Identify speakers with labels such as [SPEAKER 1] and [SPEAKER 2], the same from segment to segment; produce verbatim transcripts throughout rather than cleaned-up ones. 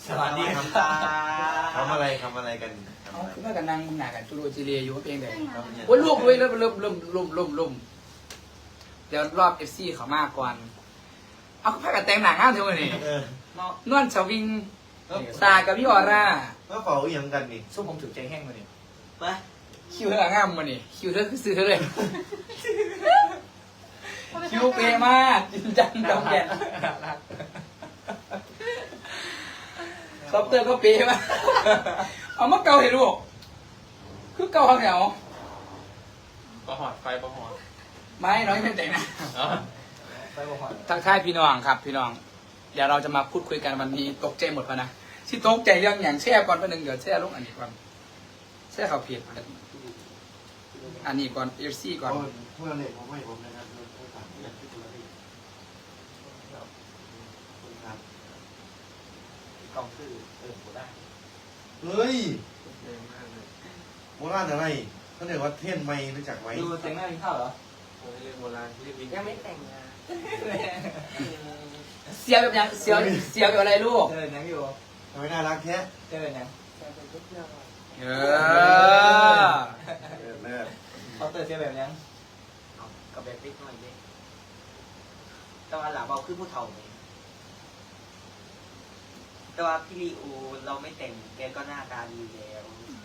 [SPEAKER 1] สวัสดีครับตาทำอะไรทำอะไรกัน
[SPEAKER 2] เขาคือว่ากันนั่งมึงหนากันจูโรจิเรียอยู่เพียงแต่โอ้ยลูกด้วยเริ่มเริ่มเริ่มลุ่มลุ่มลุ่มเดี๋ยวรอบเอฟซีเขามากก่อนเอาผ้ากันแต่งหนังง่ามเท่านี้นวลชวิงตากับพี่ออร่า
[SPEAKER 1] ก็เป่าอย่างกันนี่
[SPEAKER 3] ส้มผมถือใจแห้งมาเนี่ยไป
[SPEAKER 2] คิวเธอง่ามมานี่คิวเธอคือซื้อเธอเลยคิวเปย์มากจริงจังดำแก่นคอปเตอร์ก็เปย์มากเอามาเกาให้ลูกคือเกาเขาเหนียว
[SPEAKER 3] ประหอดไฟประหอด
[SPEAKER 2] ไม่น้อยไม่แต่งนะ
[SPEAKER 3] ไฟประหอด
[SPEAKER 2] ทักทายพี่น้องครับพี่น้องเดี๋ยวเราจะมาพูดคุยกันวันนี้ตกใจหมดปะนะที่ตกใจเรื่องอย่างแช่ก่อนประหนึ่งเดี๋ยวแช่ลูกอันนี้ก่อนแช่เขาเพียรอันนี้ก่อนเอฟซีก่อน
[SPEAKER 1] เพื่อนเนี่ยผมไม่ผมนะครับถามอย่างที่คุณละพี่คุณครับ
[SPEAKER 3] กล่องคือเออโหได้
[SPEAKER 1] เฮ้ย
[SPEAKER 3] เร็วมากเลย
[SPEAKER 1] โบราณอะไรเขาเรียกว่าเทียนไม่รู้จักไหม
[SPEAKER 3] ดูแต่งหน้ากินข้าวเหรอโอ้ยเรื่องโบราณที่ยังไม่แต่งงาน
[SPEAKER 2] เสียวแบบยังเสียวเสียวแบบอะไรลูก
[SPEAKER 3] เจอยังอยู่
[SPEAKER 1] ทำไมน่ารักแท้
[SPEAKER 3] เจอยัง
[SPEAKER 2] เออ
[SPEAKER 1] เออเลิศ
[SPEAKER 3] เขาเตอร์เจอแบบยังกับแบบติ๊กหน่อยดิแต่ว่าหลับเอาขึ้นผู้เฒ่าเลยแต่ว่าพี่ลีโอเราไม่แต่งแกก็หน้าตาดีแล้ว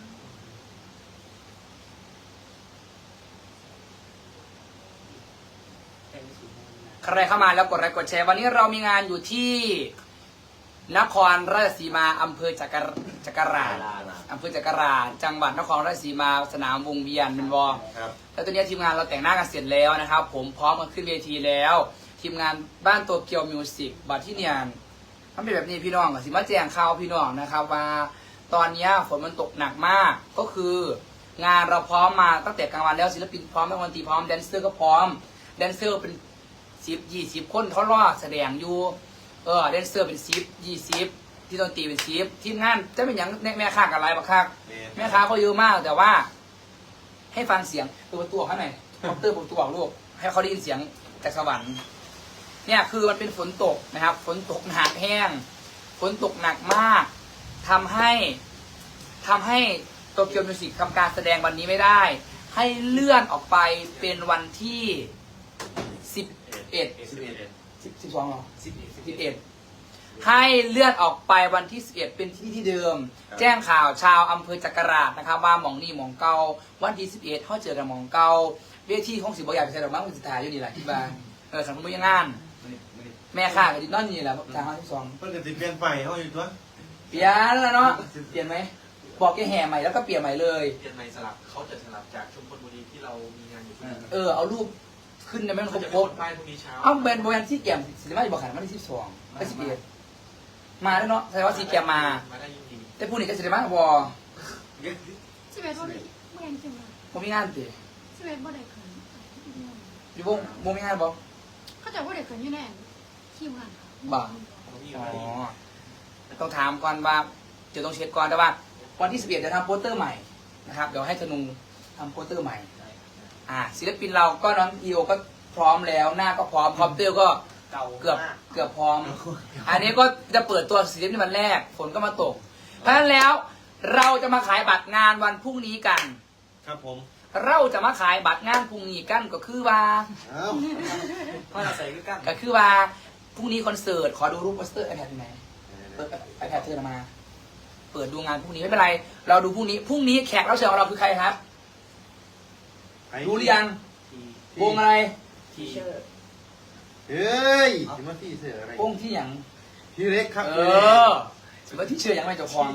[SPEAKER 3] แต่งไม่สวยนะ
[SPEAKER 2] ใครเข้ามาแล้วกดไลค์กดแชร์วันนี้เรามีงานอยู่ที่นครราชสีมาอำเภอจักรจักราชอำเภอจักราชจังหวัดนครราชสีมาสนามวงเวียนเป็นวอ
[SPEAKER 1] ครับ
[SPEAKER 2] แล้วตอนนี้ทีมงานเราแต่งหน้ากันเสร็จแล้วนะครับ ผมพร้อมกันขึ้นเวทีแล้ว ทีมงานบ้านโตเกียวมิวสิกบัตรที่เนียนมันเป็นแบบนี้พี่น้องกับสิมาแจ้งข่าวพี่น้องนะครับว่าตอนนี้ฝนมันตกหนักมากก็คืองานเราพร้อมมาตั้งแต่กลางวันแล้วศิลปินพร้อมนักดนตรีพร้อมแดนเซอร์ก็พร้อมแดนเซอร์เป็นสิบยี่สิบคนเขารอแสดงอยู่เออแดนเซอร์เป็นสิบยี่สิบที่ดนตรีเป็นสิบทีมงานจะเป็นอย่างแม่ค้ากับอะไรบ้างครับแม่ค้าเขาเยอะมากแต่ว่า ให้ฟังเสียงตัวประตูข้างในคอมเตอร์ประตูออกลูกให้เขาได้ยินเสียงจากสวรรค์เนี่ยคือมันเป็นฝนตกนะครับฝนตกหนักแห้งฝนตกหนักมากทำให้ทำให้โตเกียวมิวสิกทำการแสดงวันนี้ไม่ได้ ให้เลื่อนออกไปเป็นวันที่สิบเอ็ด
[SPEAKER 1] สิบเอ็ด
[SPEAKER 2] สิบสิบสองหรอ
[SPEAKER 3] สิบเอ็ดสิบ
[SPEAKER 2] สิบ
[SPEAKER 3] เอ็ด
[SPEAKER 2] เอ็ดให้เลื่อนออกไปวันที่สิบเอ็ดเป็นที่ที่เดิม แจ้งข่าวชาวอำเภอจักราชนะครับว่าหมองนี่หมองเก่าวันที่สิบเอ็ดเขาเจอกันหมองเก่าเวทีของสิบอยากไปใส่ดอกไม้คุณสิทธาอยู่นี่แหละที่บ้านเออสังคมยังงานแม่ข้ากับดินนอนนี่แหละทางห้าสิบสอง
[SPEAKER 1] เพื่อนจะติดเปลี่ยนไปเขาอยู่ตัว
[SPEAKER 2] เปลี่ยนแล้วเนาะเปลี่ยนไหมบอกแกแห่ใหม่แล้วก็เปลี่ยนใหม่เลย
[SPEAKER 4] เปลี่ยนใหม่สลับเขาจะสลับจากชุมพลบุรีที่เรามีงานอยู่ที่นั่น
[SPEAKER 2] เออเอารูปขึ้นในแม่นคร
[SPEAKER 4] เขา
[SPEAKER 2] บ
[SPEAKER 4] จะ
[SPEAKER 2] ค
[SPEAKER 4] ไป
[SPEAKER 2] รบ
[SPEAKER 4] กดป้ายพรุ่งนี้เช้า
[SPEAKER 2] เอาแบรนด์โบแอนที่แกมสินค้าอยู่บอกขายวันที่สิบสองก็สิบเอ็ดมาแล้วเนาะแสดงว่าซีแกมมา
[SPEAKER 4] มาได้จริง
[SPEAKER 2] แต่พูดนี่ก็สิได้มากบอ
[SPEAKER 5] สิบเอ็ดบ่ได้เมื่อยังเชียงราย
[SPEAKER 2] ผมมีงานติ
[SPEAKER 5] สิบเอ็ดบ่ได้เขิน
[SPEAKER 2] อยู่วงวงมีงานบอ
[SPEAKER 5] เขาจะบ่ได้เขินอยู่แน่คิวงานค่ะ
[SPEAKER 2] บ่
[SPEAKER 4] ๆผมมี
[SPEAKER 2] อ๋
[SPEAKER 4] มาดี
[SPEAKER 2] อต้องถามก่อนว่าจะต้องเช็คก่อนแต่ว่า วันที่สิบเอ็ดจะทำโปสเตอร์ใหม่นะครับเดี๋ยวให้ธนูทำโปสเตอร์ใหม่อ่าศิลปินเราก็น้องอีโอก็พร้อมแล้วหน้าก็พร้อมคอมเตอร์ก็
[SPEAKER 3] เก่า
[SPEAKER 2] เกือบ
[SPEAKER 3] มาก
[SPEAKER 2] เกือบพร้อม อันนี้ก็จะเปิดตัวศิลปินวันแรกฝนก็มาตก เพราะฉะนั้นแล้วเราจะมาขายบัตรงานวันพรุ่งนี้กัน
[SPEAKER 1] ครับผม
[SPEAKER 2] เราจะมาขายบัตรงานพรุ่งนี้กันก็คือว่า
[SPEAKER 1] เอ้า
[SPEAKER 3] เพราะเราใส่คือกัน
[SPEAKER 2] ก็คือว่าพรุ่งนี้คอนเสิร์ตขอดูรูปโปสเตอร์ไอแพดไหนเปิดไอแพดเธอมา เปิดดูงานพรุ่งนี้ไม่เป็นไร เราดูพรุ่งนี้พรุ่งนี้แขกรับเชิญของเราคือใครครับรู้หรือยัง
[SPEAKER 3] ที
[SPEAKER 2] วงอะไร
[SPEAKER 3] ทีเชอร์
[SPEAKER 1] เฮ้ยจะมาที่เสืออะไร
[SPEAKER 2] วงที่อย่าง
[SPEAKER 1] พี่เล็กครับ
[SPEAKER 2] เออถือว่าที่เชื่อยังไม่เจ้าของ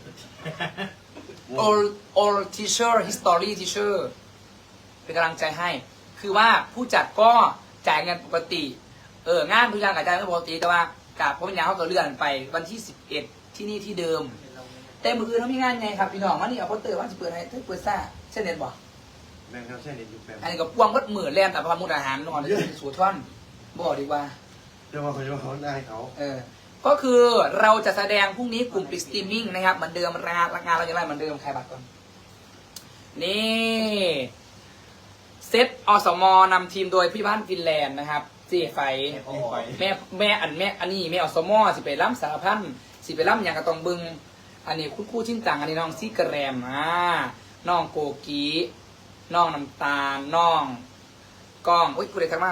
[SPEAKER 2] all all teacher history teacher เป็นกำลังใจให้ คือว่าผู้จัดก็จ่ายเงินปกติ เอองานทุกอย่างกระจายไม่ปกติแต่ว่ากาบเพราะเป็นอย่างเขาก็เลื่อนไปวันที่สิบเอ็ดที่นี่ที่เดิม แต่มืออื่นเขามีงานไงครับพี่น้องวันนี้เอาโปสเตอร์ว่าจะเปิดให้ถ้าเปิดซ่าเช่นเน็ตบ่
[SPEAKER 1] แบ่งครับใช่ในยุคแบ่ง
[SPEAKER 2] อันนี้ก็ปวงวัดมือแล่นแต่พามุดอาหารนอนสูท่อนบอกดีกว่า
[SPEAKER 1] เดี๋ยวมาเขาจะมาเขาได้เขา
[SPEAKER 2] เออ ก็คือเราจะแสดงพรุ่งนี้กลุ่มปิดสตรีมมิ่งนะครับเหมือนเดิมงานงานเราจะไล่เหมือนเดิมใครบัตรก่อน นี่เซตอสมนำทีมโดยพี่บ้านฟินแลนด์นะครับเจ๊ไฟ
[SPEAKER 1] นี่ไป
[SPEAKER 2] แม่แม่อันแม่อันนี้แม่อสมอสิไปล้ำสารพันสิไปล้ำอย่างกระตองบึง อันนี้คุณครู่ชิ้นจังอันนี้น้องซีกระแรมอ่าน้องโกกีน้องน้ำตาลน้องกล้องอุ้ยกูเลยทักมา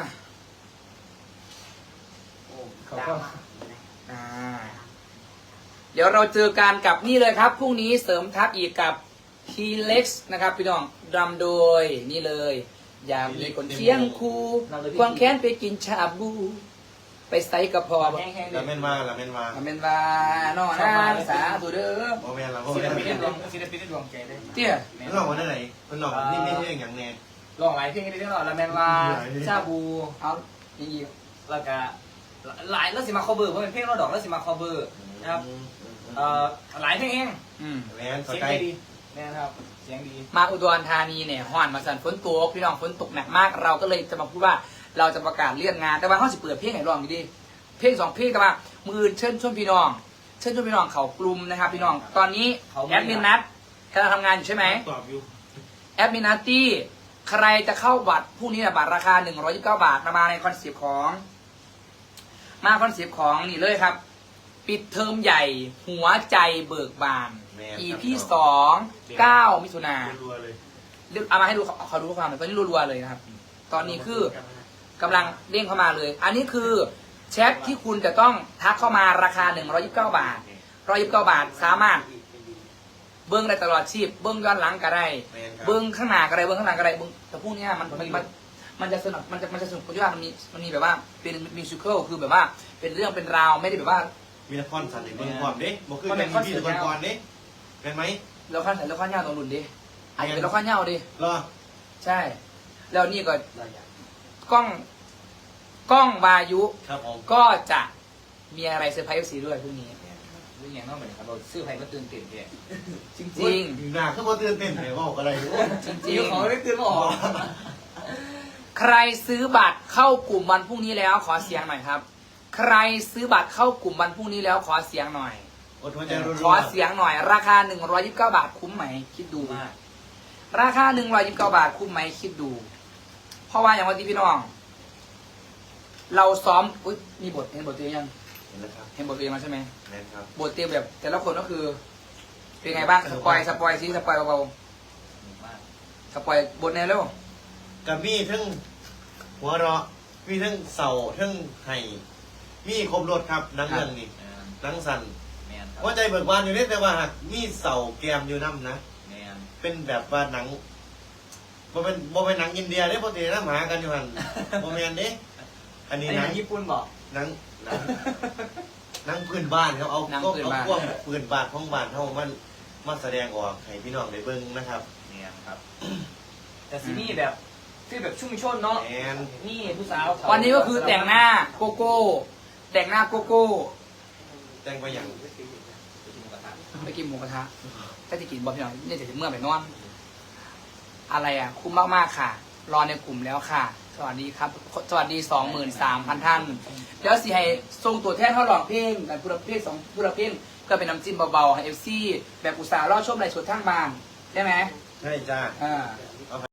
[SPEAKER 3] โอ้
[SPEAKER 2] เขา
[SPEAKER 3] ดา
[SPEAKER 2] ก็
[SPEAKER 3] ว
[SPEAKER 2] อ่าเดี๋ยวเราเจอกันกับนี่เลยครับพรุ่งนี้เสริมทัพอีกกับทีเล็กซ์นะครับพี่น้องดำโดยนี่เลย อยากมีคนเคียงคู่ควงแค้นไปกินชาบู ไปไซกระพอ
[SPEAKER 3] แห้งๆเล
[SPEAKER 1] ลาย เมนมาลาเมนมา
[SPEAKER 2] มาเมนว่าน้องนะสาธุเด้อ
[SPEAKER 1] โมเมนลาโม
[SPEAKER 3] ศิ
[SPEAKER 1] เม
[SPEAKER 3] ล
[SPEAKER 1] น
[SPEAKER 3] ปินได้ดวงศิลปินได้ดวงใจได้
[SPEAKER 2] เตี้ย
[SPEAKER 1] เพิ่นลองมาได้ไหนเพิ่นลองนี่ไม่ใช่อย่างแน่
[SPEAKER 3] ลองหลายเพลงได้ด้วยละแมนว่าชาบู
[SPEAKER 2] เอาอีก
[SPEAKER 3] แล้วก็หลายแล้วสิมาคอเบอร์เพราะเป็นเพลงเราดอกแล้วสิมาคอเบอร์นะครับเอ่อหลายเพลงเอง
[SPEAKER 2] อืม
[SPEAKER 1] แมนส
[SPEAKER 3] เสียง
[SPEAKER 1] กาย
[SPEAKER 3] ดีแน่นะครับเสียงดี
[SPEAKER 2] มาอุดรธานีเนี่ยห่อนมาสั่นฝนตกพี่น้องฝนตกหนักมาก เราก็เลยจะมาพูดว่าเราจะประกาศเลื่อนงาน แต่ว่าเขาสิเปิดเพลงไหนลองดีๆเพลงสองเพลงแต่ว่ามือเชิญชวนพี่น้องเชิญชวนพี่น้องเขากลุ่มนะครับพี่น้องตอนนี้แอดมินนัทกำลังทำงานอยู่ใช่ไหม
[SPEAKER 1] ตอบอยู่
[SPEAKER 2] แอดมินนัตตี้ใครจะเข้าบัตรผู้นี้นะบัตรราคาหนึ่งร้อยยี่สิบเก้าบาทมาในคอนเซปต์ของ มาคอนเซปต์ของนี่เลยครับ ปิดเทอมใหญ่หัวใจเบิกบาน อี พี สองเก้ามิถุนา
[SPEAKER 1] รัวๆเลย
[SPEAKER 2] เอามาให้ดูเขาเขาดูข้อความหน่อยตอนนี้รัวๆเลยนะครับ ตอนนี้คือกำลังเด้งเข้ามาเลย อันนี้คือแชทที่คุณจะต้องทักเข้ามาราคาหนึ่งร้อยยี่สิบเก้าบาทหนึ่งร้อยยี่สิบเก้าบาทสามารถเบิ้งได้ตลอดชีพเบิ้งย้อนหลังก็ได้
[SPEAKER 1] แมนครับ
[SPEAKER 2] เบิ้งข้างหน้าก็ได้เบิ้งข้างหลังก็ได้เบิ้งแต่พวกเนี้ยมันมันมันมันจะสนุกมันจะมันจะสนุกเพราะว่ามันมีมันมีแบบว่าเป็นมิวสิควลคือแบบว่าเป็นเรื่องเป็นราวไม่ได้แบบว่า
[SPEAKER 1] มีละครสันติเบิ่งความเด้บ่คือกันมีพี่ละครก่อนเด้เป็นไหม
[SPEAKER 2] เราขั้นเราขั้นยาวตรงรุ่นดิอาจจะเป็นเราขั้นยาวดิ
[SPEAKER 1] รอ
[SPEAKER 2] ใช่ แล้วนี่ก็
[SPEAKER 3] เราอยาก
[SPEAKER 2] กล้องกล้องวายุ
[SPEAKER 1] ครับผม
[SPEAKER 2] ก็จะมีอะไรเซอร์ไพรส์สีด้วยพรุ่งนี้
[SPEAKER 3] เรื่องอย่างนั้นเหมือนกันเราซื้อใครก็ตื่นเต้นแก
[SPEAKER 2] จริง
[SPEAKER 1] หน้าคือบ่ตื่นเต้นเลยว่าก็ได้
[SPEAKER 2] ๆ จ
[SPEAKER 3] จริ
[SPEAKER 2] ริ
[SPEAKER 3] ง
[SPEAKER 2] ง
[SPEAKER 3] ของไม่ตื่นไม่ออก
[SPEAKER 2] ๆ ใครซื้อบัตรเข้ากลุ่มวันพรุ่งนี้แล้วขอเสียงหน่อยครับ ใครซื้อบัตรเข้ากลุ่มวันพรุ่งนี้แล้วขอเสียงหน่อย
[SPEAKER 1] อดหัวใจรัวๆ
[SPEAKER 2] ขอเสียงหน่อย ราคาหนึ่งร้อยยี่สิบเก้าบาทคุ้มไหมคิดดู
[SPEAKER 3] มาก
[SPEAKER 2] ราคาหนึ่งร้อยยี่สิบเก้าบาทคุ้มไหมคิดดู เพราะว่าอย่างวันที่พี่น้อง เราซ้อมอุ๊ยมีบทเห็นบทเตรียมยัง
[SPEAKER 1] เห็นแล้วครับ
[SPEAKER 2] เห็นบทเตรียมมาใช่ไหม
[SPEAKER 1] แมนครับ
[SPEAKER 2] บทเตรียมแบบ แต่ละคนก็คือ เป็นไงบ้างสปอยสปอยซิสปอยเบา
[SPEAKER 3] มาก
[SPEAKER 2] ๆสปอยบทแนวเร็ว
[SPEAKER 1] กับมีทั้งหัวเราะมีทั้งเศร้าทั้งไห้มีครบรถครับหนังเรื่องนี้หนังสั่น
[SPEAKER 3] แมนครั
[SPEAKER 1] หัวใจเบิกบานอยู่นี่แต่ว่าหากมีเศร้าแกมอยู่น้ำนะ
[SPEAKER 3] แมน
[SPEAKER 1] เป็นแบบว่าหนังบ่เป็นบ่เป็นหนังอินเดียเด้ปกติน้ำหากันอยู่หันบ่แม่นเด้อันนี้
[SPEAKER 3] นี่
[SPEAKER 1] ห
[SPEAKER 3] ห
[SPEAKER 1] นั
[SPEAKER 3] นั
[SPEAKER 1] ง
[SPEAKER 3] งญี่ปุ่นบอก
[SPEAKER 1] หนังหนังหนังพื้นบ้านเขาเอา
[SPEAKER 2] หนัง
[SPEAKER 1] ก็
[SPEAKER 2] พื้น
[SPEAKER 1] เอา
[SPEAKER 2] บ้าน
[SPEAKER 1] พวกพื้นบ้านของบ้านเฮามันมาแสดงออกให้พี่น้องได้เบิ่งนะครับ
[SPEAKER 3] แมนครับ แต่ซีนี่แบบฟีลแบบชุ่มชนเนาะ
[SPEAKER 1] แมน
[SPEAKER 3] นี่ผู้สาว
[SPEAKER 2] วันนี้ก็คือแต่งหน้าโกโก้ แต่งหน้าโกโก้
[SPEAKER 1] แต่งไปอย่าง
[SPEAKER 2] ไปกินหมูกระทะถ้าจะกินบอพี่น้องเนี่ยจะถึงเมื่อไปนอน อะไรอ่ะ คุ้มมากๆค่ะ รอในกลุ่มแล้วค่ะ สวัสดีครับ สวัสดีสองหมื่นสามพันท่าน แล้วสิให้ส่งตัวแทนเขาหลอกเพลงกันผู้รับเพลงสองผู้รับเพลงก็เป็นน้ำจิ้มเบาๆให้เอฟซีแบบอุตส่าห์รอดชมในสดทั้งบานได้ไหม
[SPEAKER 1] ใช่จ้า
[SPEAKER 2] อ่า